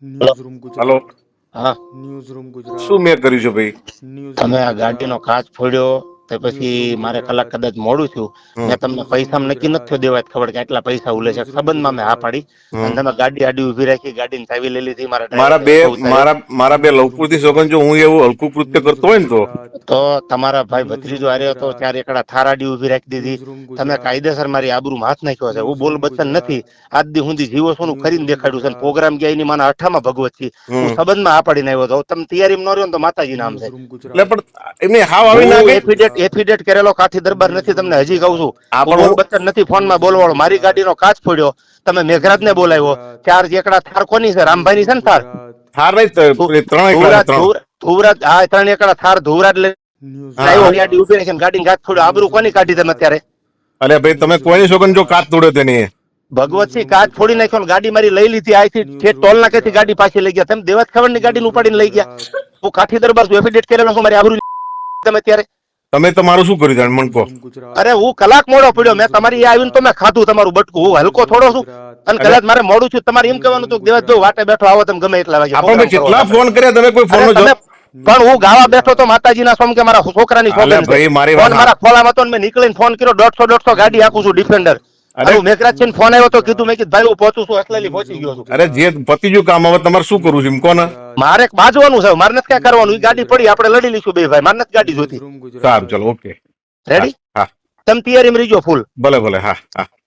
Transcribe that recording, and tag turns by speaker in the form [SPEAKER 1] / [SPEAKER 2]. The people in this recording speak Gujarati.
[SPEAKER 1] હલો.
[SPEAKER 2] હા,
[SPEAKER 1] શું મેં કર્યું છે ભાઈ?
[SPEAKER 2] તમે આ ગાડીનો કાચ ફોડ્યો તે પછી મારે કલાક કદાચ મોડું થયું. મેં તમને પૈસા નક્કી નથી થયો દેવા ખબર કે આટલા પૈસા ઉલે છે સંબંધમાં મેં હા પાડી અને તમે ગાડી આડી ઉભી રાખી ગાડીની ચાવી લઈ લીધી મારા
[SPEAKER 1] મારા
[SPEAKER 2] ડ્રાઈવરને
[SPEAKER 1] બે
[SPEAKER 2] ઊભો ઉતાર્યો.
[SPEAKER 1] મારા બે લવકુરથી સોગન જો હું એવું હલકું કૃત્ય કરતો હોય ને
[SPEAKER 2] તો તમારા ભાઈ ભત્રીજો હાર્યો હતો ત્યારે એકડા થાર આડી ઉભી રાખી દીધી. તમે કાયદેસર મારી આબરૂમાં હાથ નાખ્યો છે. હું બોલ બચ્ચન નથી. આજ દી સુધી જીવો સોનું કરીને દેખાડ્યું છે. પ્રોગ્રામ ગયા એની માના અઠામાં ભગવત છે. હું સંબંધમાં આ પાડીને આવ્યો હતો. તમે તૈયારીમાં ન રહ્યો ને તો માતાજી નામ છે.
[SPEAKER 1] એટલે પણ એમને હાવ આવી ના
[SPEAKER 2] હું
[SPEAKER 1] ગઈ.
[SPEAKER 2] એફિડેટ કરેલો કાઠી દરબાર નથી. તમને હજી કહું છું.
[SPEAKER 1] આ
[SPEAKER 2] હું
[SPEAKER 1] પણ
[SPEAKER 2] બોલ બચ્ચન નથી ફોનમાં બોલવાળો. મારી ગાડીનો કાચ ફોડ્યો. તમે મેઘરાજને બોલાવ્યો. ચાર એકડા થાર કોની છે? રામભાઈની છે ને થાર?
[SPEAKER 1] હાર નહીં ત્રણ એકલા ત્રણ
[SPEAKER 2] ધુવરાજ હા 3 એકડા થાર ધુવરાજ લઈ આવ્યો. ગાડી ઉભી રાખીને ગાડીને કાચ ફોડ્યો. આબરૂ કોની કાઢી તમે અત્યારે?
[SPEAKER 1] અરે ભાઈ તમે કોઈની સોગન જો કાચ તોડ્યો તેની
[SPEAKER 2] ભગવતસિંહ કાચ ફોડી નાખ્યો ને ગાડી મારી લઈ લીધી. આથી ઠેઠ ટોલ નાકેથી ગાડી પાછી લઈ ગયા. તમે દેવાજ ખબર ગાડીને ઉપાડીને લઈ ગયા. હું કાઠી દરબાર છું. એફિડેટ કરેલો છું. મારી આબરૂ તમે અત્યારે
[SPEAKER 1] તમે તમારું શું કર્યું જાણ મન કહો.
[SPEAKER 2] અરે હું કલાક મોડો પડ્યો. મેં તમારી આવીને તો મેં ખાધું તમારું બટકું. હું હલકો થોડો છું અને કદાચ મારે મોડું છું. તમારે એમ કહેવાનું હતું દેવાજ જો વાટે બેઠો આવો તમે ગમે એટલા વાગે.
[SPEAKER 1] આપણે કેટલા ફોન કર્યા તમે કોઈ ફોન નો
[SPEAKER 2] પણ હું ગાવા બેઠો તો માતાજીના સોમ કે મારા છોકરાની સોગંદ
[SPEAKER 1] ભાઈ મારી
[SPEAKER 2] ફોન
[SPEAKER 1] વાત
[SPEAKER 2] મારા ખોલામાં હતો ને મેં નીકળીને ફોન કર્યો. 150 ગાડી હાકું છું ડિફેન્ડર. અરે મેઘરાજ છે ફોન આવ્યો તો કીધું મેં કીધું ભાઈ હું પહોંચું છું. એટલે પહોંચી ગયો છું.
[SPEAKER 1] અરે જે પતિજું કામ હવે તમારે શું કરવું છે એમ કોને?
[SPEAKER 2] મારે બાજવાનું છે. મારે નથી ક્યાં કરવાનું. એ ગાડી પડી આપણે લડી લઈશું બે ભાઈ. મારે નથી ગાડી જોતી.
[SPEAKER 1] સારું ચલો ઓકે
[SPEAKER 2] રેડી?
[SPEAKER 1] હા
[SPEAKER 2] તમે તૈયારીમાં રહીજો ફૂલ.
[SPEAKER 1] ભલે ભલે હા હા.